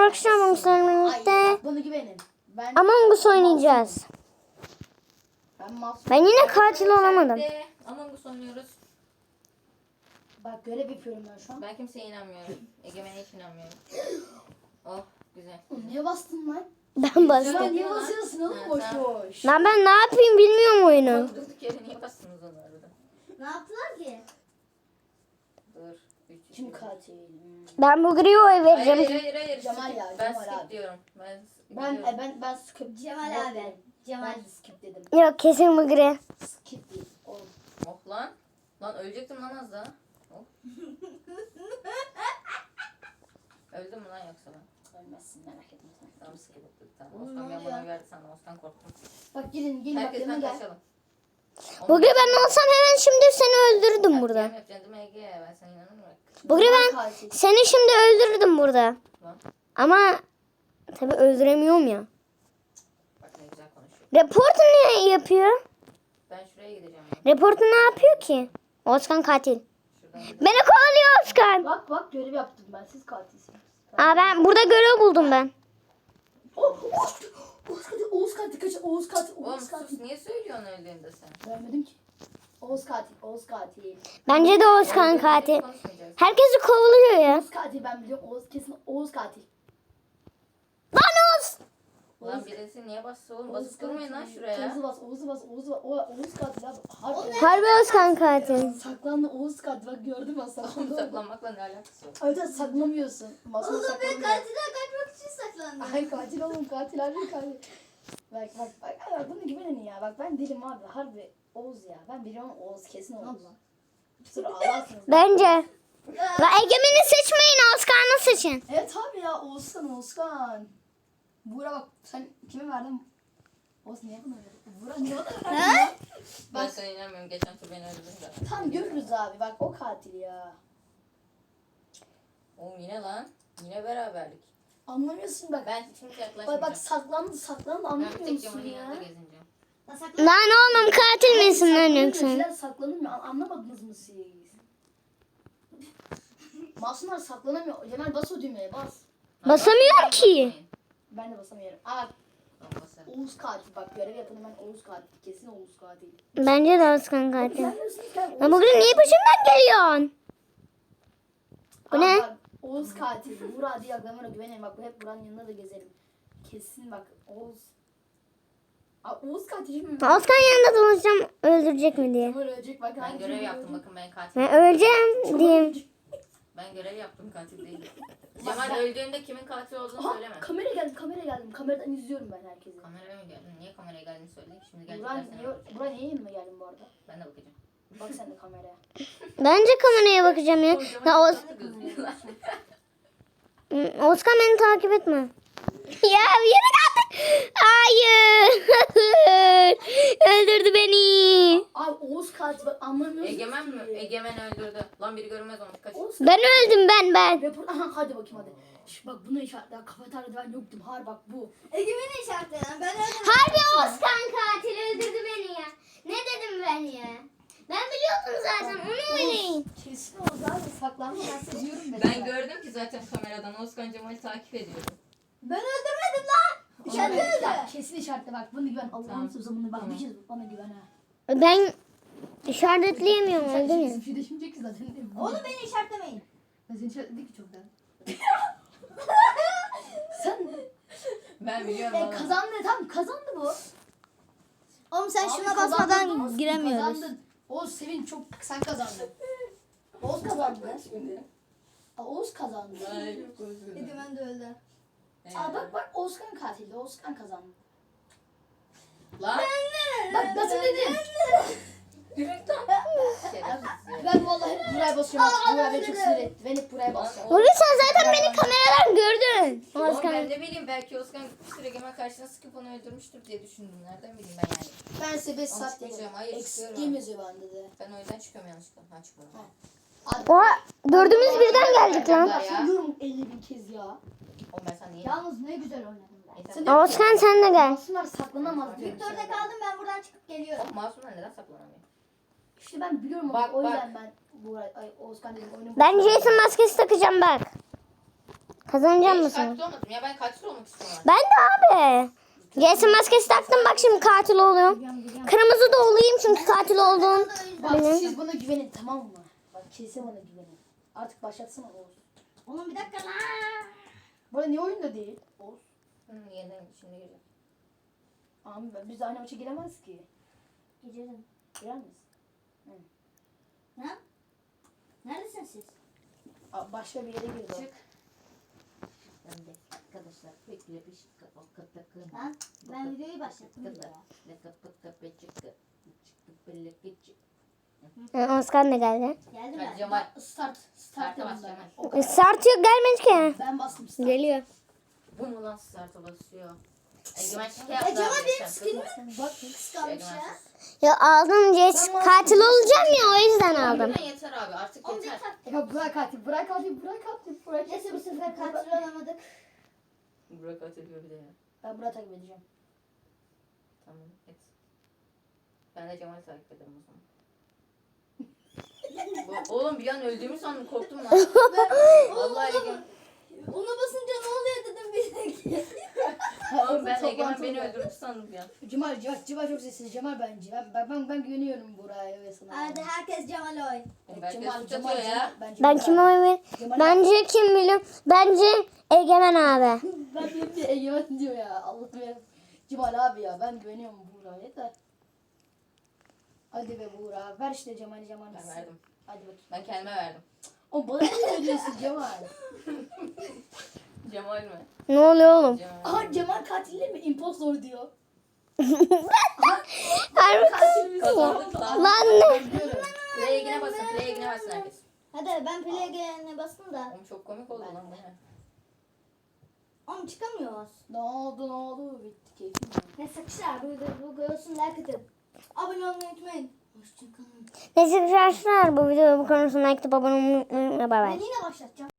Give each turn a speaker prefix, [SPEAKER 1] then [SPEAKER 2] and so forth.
[SPEAKER 1] arkadaşlar Among Us'la birlikte
[SPEAKER 2] Bana güvenin.
[SPEAKER 1] Among Us oynayacağız. Ben yine katil olamadım.
[SPEAKER 3] Among Us oynuyoruz.
[SPEAKER 2] Bak görev yapıyorum ben şu an.
[SPEAKER 3] Ben kimseye inanmıyorum. Egemen'e hiç inanmıyorum. Oh güzel.
[SPEAKER 2] Niye bastın lan?
[SPEAKER 1] Ben
[SPEAKER 2] Ya
[SPEAKER 1] bastım.
[SPEAKER 2] niye basıyorsun oğlum boş boş?
[SPEAKER 1] Lan ben ne yapayım bilmiyorum oyunu.
[SPEAKER 3] Durduk yere niye bastınız onu arada?
[SPEAKER 4] Ne yaptılar ki?
[SPEAKER 3] Dur.
[SPEAKER 2] Kim katil?
[SPEAKER 1] Ben bu griye oy vereceğim.
[SPEAKER 3] Hayır.
[SPEAKER 2] Cemal
[SPEAKER 3] skip.
[SPEAKER 2] ya,
[SPEAKER 3] Ben
[SPEAKER 2] Cemal
[SPEAKER 3] skip
[SPEAKER 2] abi.
[SPEAKER 3] diyorum.
[SPEAKER 2] Ben skip.
[SPEAKER 4] Cemal abi. Cemal.
[SPEAKER 2] Ben skip dedim.
[SPEAKER 1] Yok kesin bu gri.
[SPEAKER 2] Skip değil. Oğlum.
[SPEAKER 3] Oh lan. Lan ölecektim lan az daha. Oh. Öldüm mü lan yoksa ben?
[SPEAKER 2] Ölmezsin merak etme sen.
[SPEAKER 3] Tamam skip ettik. Tamam.
[SPEAKER 2] Oğlum,
[SPEAKER 3] Osman
[SPEAKER 2] ne
[SPEAKER 3] ben
[SPEAKER 2] oluyor
[SPEAKER 3] bana
[SPEAKER 2] ya?
[SPEAKER 3] verdi sandım. Osman korktum.
[SPEAKER 2] Bak gelin bak
[SPEAKER 3] Herkes
[SPEAKER 2] yanıma
[SPEAKER 3] ben
[SPEAKER 2] gel.
[SPEAKER 3] kaçalım.
[SPEAKER 1] Bu gri ben olsam hemen şimdi seni öldürdüm burada.
[SPEAKER 3] Yapacağım değil mi Ege? Ben sana inanamıyorum.
[SPEAKER 1] Bu gri ben
[SPEAKER 2] Katil.
[SPEAKER 1] seni şimdi öldürdüm burada.
[SPEAKER 3] Lan.
[SPEAKER 1] Ama tabii öldüremiyorum ya.
[SPEAKER 3] Bak ne güzel konuşuyor.
[SPEAKER 1] Reportu ne yapıyor?
[SPEAKER 3] Ben şuraya gideceğim. Ya.
[SPEAKER 1] Reportu ne yapıyor ki? Özkan katil.
[SPEAKER 3] Şuradan gideceğim.
[SPEAKER 1] Beni kovalıyor Özkan.
[SPEAKER 2] Bak görev yaptım ben. Siz katilsiniz.
[SPEAKER 1] Aa ben burada görev buldum ben.
[SPEAKER 2] Oğuz katil kaç. Oğuz katil.
[SPEAKER 3] Oğlum
[SPEAKER 2] Oğuz katil.
[SPEAKER 3] sus niye söylüyorsun öldüğünde sen?
[SPEAKER 2] Vermedim ki. Oğuz katil. Oğuz katil.
[SPEAKER 1] Bence de Özkan katil.
[SPEAKER 3] Konuşmayacağız.
[SPEAKER 1] Herkesi kovalıyor ya.
[SPEAKER 2] Oğuz katil ben biliyorum. Oğuz kesin Oğuz katil.
[SPEAKER 1] Lan Oğuz.
[SPEAKER 3] Lan birisi niye bastı oğlum? Basıp durmayın lan şuraya.
[SPEAKER 2] Oğuz'u bas. Oğuz'u bas. Oğuz'u bas. Oğuz katil abi. Harbi.
[SPEAKER 1] Harbi Özkan katil.
[SPEAKER 2] Saklandı Oğuz katil. Bak gördüm ben
[SPEAKER 3] Oğlum
[SPEAKER 2] saklandı.
[SPEAKER 3] saklanmakla ne alakası var?
[SPEAKER 2] Evet saklamıyorsun. Masada
[SPEAKER 4] Oğlum ben
[SPEAKER 2] saklanıyor.
[SPEAKER 4] katilden kaçmak için saklandım.
[SPEAKER 2] Ay katil oğlum katil harbi katil. Bak. Ay, bunu güvenin ya. Bak ben değilim abi. Harbi Oğuz ya. Ben biliyorum Oğuz kesin Oğuz. Sonra ağlarsınız.
[SPEAKER 1] Bence. La Egemen'i seçmeyin Özkan'ı seçin.
[SPEAKER 2] Evet abi ya Oğuzkan. Buğra bak sen kime verdin? Oğuz niye buna verdin? Buğra niye bana verdin ya?
[SPEAKER 3] Ben
[SPEAKER 2] Bak
[SPEAKER 3] sana inanmıyorum. Geçen tur beni öldürdün de.
[SPEAKER 2] tam görürüz abi. Bak o katil ya.
[SPEAKER 3] Oğlum yine lan. Yine beraberlik.
[SPEAKER 2] Anlamıyorsun bak.
[SPEAKER 3] Ben hiç yaklaşmayacağım.
[SPEAKER 2] Bak saklandı
[SPEAKER 3] Ben bir
[SPEAKER 2] anlamıyor
[SPEAKER 3] tek
[SPEAKER 2] musun
[SPEAKER 3] Cemal'in
[SPEAKER 2] ya?
[SPEAKER 3] yanında gezineceğim.
[SPEAKER 1] Lan oğlum katil misin lan
[SPEAKER 2] Saklanıyor,
[SPEAKER 1] yoksa?
[SPEAKER 2] şeyler saklanamıyor. Anlamadınız mı siz? Masumlar saklanamıyor. Cemal bas o düğmeye bas.
[SPEAKER 1] Basamıyorum ki.
[SPEAKER 2] Ben de basamıyorum. Aa
[SPEAKER 3] Tamam, basarım.
[SPEAKER 2] Oğuz katil bak görev yapın hemen Oğuz katil. Kesin Oğuz katil.
[SPEAKER 1] Bence de Özkan katil.
[SPEAKER 2] Gelmiyorsunuz gel.
[SPEAKER 1] Lan bugün niye peşimden geliyorsun? Bu ne?
[SPEAKER 2] Bak, Oğuz katil. Burak diye aklamına güvenin. Bak hep Burak'ın yanında da gezelim. Kesin bak Oğuz. Aa, Oğuz katil mi?
[SPEAKER 1] Özkan yanında dolaşacağım öldürecek mi diye.
[SPEAKER 2] Cemal ölecek bak.
[SPEAKER 3] Ben
[SPEAKER 2] hangi
[SPEAKER 3] görev
[SPEAKER 2] gün
[SPEAKER 3] yaptım
[SPEAKER 2] ölecek?
[SPEAKER 3] bakın ben katil.
[SPEAKER 1] Ben öleceğim diyeyim.
[SPEAKER 3] Ben görev yaptım katil değilim. Cemal öldüğünde kimin katil olduğunu
[SPEAKER 2] Aha,
[SPEAKER 3] söyleme.
[SPEAKER 2] kamera geldim. Kameradan izliyorum ben herkesi.
[SPEAKER 3] Kameraya mı geldin? Niye kameraya geldiğini söyle. Şimdi
[SPEAKER 2] Burak
[SPEAKER 3] gelecekler
[SPEAKER 2] niye,
[SPEAKER 3] sana.
[SPEAKER 2] Burak niye yanıma geldin bu arada?
[SPEAKER 3] Ben de bakacağım.
[SPEAKER 2] Bak sen de kameraya.
[SPEAKER 1] Bence kameraya bakacağım ya. Ya Özkan beni takip etme. Ya yürü git. Hayır. Öldürdü beni.
[SPEAKER 2] Abi Oğuz katil bak anlamıyorsun
[SPEAKER 3] Egemen mi?
[SPEAKER 2] ki.
[SPEAKER 3] Egemen öldürdü. Lan biri görünmez olmuş. Kaç.
[SPEAKER 2] Oğuz
[SPEAKER 1] Ben öldüm ben.
[SPEAKER 2] Rapor, aha hadi bakayım hadi. Bak bunu işaretler. Kafeteryada ben yoktum. Har bak bu.
[SPEAKER 4] Egemen'i işaretleyen ben öyle.
[SPEAKER 1] Harbi Özkan katil öldürdü beni ya. Ne dedim ben ya? Ben biliyordum zaten onu oynayın.
[SPEAKER 2] Kesin Oğuz abi saklanma ben size diyorum ben.
[SPEAKER 3] Ben gördüm ki zaten kameradan Özkan Cemal'i takip ediyorum.
[SPEAKER 4] Ben öldürmedim lan. İşaretledi.
[SPEAKER 2] Bak, kesin işaretle bak. Bunu güven. Allah'ın
[SPEAKER 3] Tamam.
[SPEAKER 2] sözü bunu bak.
[SPEAKER 3] Tamam.
[SPEAKER 2] Bir şey bana güven ha.
[SPEAKER 1] Ben işaretleyemiyorum
[SPEAKER 2] Sen
[SPEAKER 1] öldüm ya.
[SPEAKER 2] şimdi bir şey düşünecek ki zaten.
[SPEAKER 4] Oğlum beni işaretlemeyin.
[SPEAKER 2] Ben seni işaretledik ki çoktan. Sen
[SPEAKER 3] Ben biliyorum valla.
[SPEAKER 2] kazandı tam kazandı bu.
[SPEAKER 4] Oğlum sen
[SPEAKER 2] Abi
[SPEAKER 4] şuna
[SPEAKER 2] kazandın,
[SPEAKER 4] basmadan
[SPEAKER 2] Oğuz,
[SPEAKER 4] giremiyoruz.
[SPEAKER 2] Kazandın. Oğuz sevin çok sen kazandın. Oğuz kazandı. Aa, Oğuz kazandı.
[SPEAKER 3] Ay yok Özgür.
[SPEAKER 4] Egemen de öldü.
[SPEAKER 2] Aa bak Oğuzkan katildi. Oğuzkan kazandı.
[SPEAKER 3] Lan.
[SPEAKER 2] Bak nasıl dedim.
[SPEAKER 3] Şerefsiz ya.
[SPEAKER 2] Ben vallahi hep buraya basıyorum. Buraya beni çok sinir etti. Ben hep buraya basıyorum.
[SPEAKER 1] Bugün sen zaten beni kameradan gördün.
[SPEAKER 3] Oğlum ben
[SPEAKER 1] Özkan.
[SPEAKER 3] ne bileyim belki Özkan gitmiştir Egemen karşısına sıkıp onu öldürmüştür diye düşündüm. Nereden bileyim ben yani.
[SPEAKER 2] Ben size 5 saat
[SPEAKER 3] çıkacağım,
[SPEAKER 2] dedim.
[SPEAKER 3] hayır,
[SPEAKER 2] Eksik
[SPEAKER 3] çıkıyorum.
[SPEAKER 2] game yazıyor bende de.
[SPEAKER 3] Ben o yüzden çıkıyorum yanlışlıkla. Ha çıkmadım.
[SPEAKER 2] Hadi.
[SPEAKER 1] Oha dördümüz birden geldik lan.
[SPEAKER 2] Ben sana diyorum 50 bin kez ya.
[SPEAKER 3] Oğlum ben sana niye?
[SPEAKER 2] Yalnız ne güzel oynadım ben.
[SPEAKER 3] Neyse.
[SPEAKER 2] Sen de
[SPEAKER 1] Özkan sen de gel.
[SPEAKER 2] masumlar saklanamaz diyorum
[SPEAKER 4] Victor'da
[SPEAKER 2] sana.
[SPEAKER 4] kaldım ben buradan çıkıp geliyorum.
[SPEAKER 3] Oğlum masumlar neden saklanamıyor?
[SPEAKER 2] İşte ben biliyorum
[SPEAKER 3] Bak,
[SPEAKER 2] o
[SPEAKER 3] bak.
[SPEAKER 2] yüzden ben Oğuzkan dedim oyunu.
[SPEAKER 1] Ben Jason maskesi takacağım bak. Kazanacak
[SPEAKER 3] Hiç
[SPEAKER 1] mısın?
[SPEAKER 3] katil olmadım ya, ben katil olmak istiyorum.
[SPEAKER 1] Ben de abi. Jason maskesi taktım, bak şimdi katil oluyorum. Kırmızı da olayım çünkü katil oldum.
[SPEAKER 2] Bak
[SPEAKER 1] Benim.
[SPEAKER 2] siz bana güvenin tamam mı? Bak kesin bana güvenin. Artık başlatsana Oğuz.
[SPEAKER 4] Oğlum bir dakika lan.
[SPEAKER 2] Bu arada niye oyunda değil? Oğuz.
[SPEAKER 3] Yeniden şimdi gireceğim.
[SPEAKER 2] Abi biz aynı maça giremez ki.
[SPEAKER 4] Gidelim.
[SPEAKER 2] Girer miyiz?
[SPEAKER 4] Ne? Neredesiniz siz?
[SPEAKER 2] Başka bir yere girdi o.
[SPEAKER 3] Çık.
[SPEAKER 5] Ben de arkadaşlar beklemiş kapak takın.
[SPEAKER 4] Lan ben videoyu başlattım.
[SPEAKER 1] Oscar da geldi.
[SPEAKER 4] Geldim
[SPEAKER 3] Hadi
[SPEAKER 4] ben.
[SPEAKER 3] Cemal.
[SPEAKER 2] Start.
[SPEAKER 3] Start'a bas
[SPEAKER 2] ben.
[SPEAKER 3] Cemal.
[SPEAKER 2] O kadar.
[SPEAKER 1] Start yok, gelmedi ki.
[SPEAKER 2] Ben bastım start.
[SPEAKER 1] Geliyor.
[SPEAKER 3] Bu mu lan start'a basıyor? Egemen şike
[SPEAKER 4] Ya
[SPEAKER 3] yaptı.
[SPEAKER 4] Cemal
[SPEAKER 3] abi
[SPEAKER 4] benim
[SPEAKER 3] geçen.
[SPEAKER 4] skinimi
[SPEAKER 2] Bak
[SPEAKER 4] kıskanmış
[SPEAKER 3] Egemen
[SPEAKER 4] ya.
[SPEAKER 3] sus.
[SPEAKER 1] Ya aldım Jason, katil olacağım ya, o yüzden aldım.
[SPEAKER 3] Egemen yeter abi, artık
[SPEAKER 4] Oğlum bir
[SPEAKER 3] yeter.
[SPEAKER 4] tak.
[SPEAKER 2] Ya bırak katil, bırak katil, bırak katil, bırak.
[SPEAKER 4] Neyse bu sefer katil olamadık.
[SPEAKER 3] Burak atılıyor bir de ya.
[SPEAKER 2] Ben Burak'ı takip edeceğim.
[SPEAKER 3] Tamam et. Ben de Cemal'i takip ederim o zaman. Oğlum bir an öldüğümü sandım, korktum lan. Vallahi Egemen.
[SPEAKER 4] Ona basınca ne oluyor dedim bir dakika.
[SPEAKER 3] Oğlum ben
[SPEAKER 2] Toplantı
[SPEAKER 3] Egemen beni
[SPEAKER 2] var.
[SPEAKER 3] öldürdü sandım ya.
[SPEAKER 2] Cemal çok sessiz. Cemal bence. Ben güveniyorum Burak'a ve sana.
[SPEAKER 4] Hadi herkes Cemal'e oy.
[SPEAKER 3] Belki de suç atıyor ya.
[SPEAKER 1] Ben kime oy ver? Bence kim biliyorum? Bence Egemen abi.
[SPEAKER 2] Ben bir Egemen diyor ya. Allah'ım ya. Cemal abi ya. Ben güveniyorum Burak'a. Yeter. Hadi be Burak. Ver işte Cemal'i Cemal.
[SPEAKER 3] Ben verdim.
[SPEAKER 2] Hadi bakayım.
[SPEAKER 3] Ben kendime verdim.
[SPEAKER 2] O bana ne veriyorsun Cemal?
[SPEAKER 3] Cemal mi?
[SPEAKER 1] Ne oluyor oğlum?
[SPEAKER 3] Cemal.
[SPEAKER 2] Aha Cemal katili mi? Impostor diyor.
[SPEAKER 1] Harbi
[SPEAKER 2] Katil mi?
[SPEAKER 3] Kazandık lan.
[SPEAKER 1] lan ne?
[SPEAKER 2] Ben diyorum.
[SPEAKER 3] Play egine basın, play egine basın herkes.
[SPEAKER 4] Hadi ben play'e bastım da.
[SPEAKER 3] Oğlum çok komik oldu lan bu ne?
[SPEAKER 4] Oğlum çıkamıyoruz.
[SPEAKER 2] Ne oldu? Bitti keyfim.
[SPEAKER 4] Neyse arkadaşlar bu görsün like atın. Abone olmayı unutmayın. Hoşçakalın.
[SPEAKER 1] Neyse arkadaşlar, bu videoda bu konusunda like atıp abone olmayı unutmayın. Bay bay.
[SPEAKER 4] Ben yine başlatacağım.